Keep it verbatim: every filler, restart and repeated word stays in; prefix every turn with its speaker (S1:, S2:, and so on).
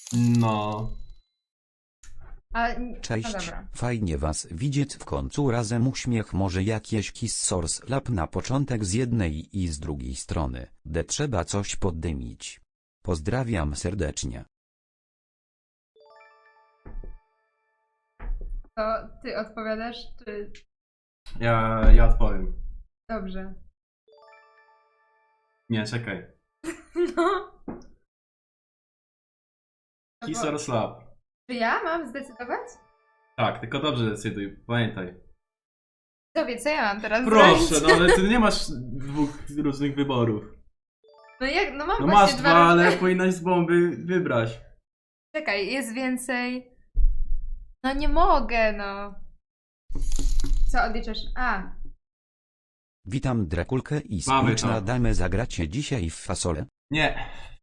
S1: No.
S2: A, n- no
S3: Cześć,
S2: dobra.
S3: fajnie was widzieć w końcu razem uśmiech może jakieś Kiss Source Lab na początek z jednej i z drugiej strony, de trzeba coś poddymić. Pozdrawiam serdecznie.
S2: To ty odpowiadasz, czy...
S1: Ja, ja odpowiem.
S2: Dobrze.
S1: Nie, czekaj.
S2: No. To
S1: Kiss
S2: bo-
S1: or slap.
S2: Czy ja mam zdecydować?
S1: Tak, tylko dobrze decyduj, pamiętaj.
S2: Tobie, co ja mam teraz
S1: Proszę,
S2: zrobić?
S1: no ale ty nie masz dwóch różnych wyborów.
S2: No jak, no mam
S1: No
S2: właśnie
S1: masz
S2: dwa
S1: dwa, ale
S2: różne-
S1: powinnaś z bomby wybrać.
S2: Czekaj, jest więcej... No nie mogę, no. Co odliczasz? A,
S3: Witam Drakulkę i
S1: Mamy
S3: Squitchna
S1: to.
S3: damy zagracie dzisiaj w fasolę.
S1: Nie.